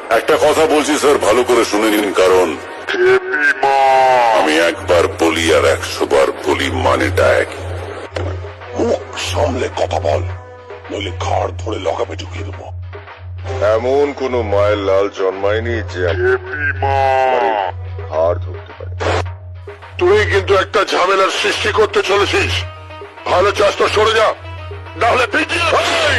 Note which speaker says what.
Speaker 1: একটা কথা বলছি স্যার, ভালো করে শুনে নিন, কারণ আমি একবার বলি আর 100 বার বলি, মানেটা এক।
Speaker 2: মুখ সামলে কথা বল, নইলে ঘাড় ধরে লকাপে ঢুকিয়ে দেবো।
Speaker 3: এমন কোন মায়ের লাল জন্মায়নি যে হাড় ধরতে পারে।
Speaker 2: তুই কিন্তু একটা ঝামেলার সৃষ্টি করতে চলেছিস। ভালো চাষ তো সরে যা, নাহলে পিটিয়ে ভাই।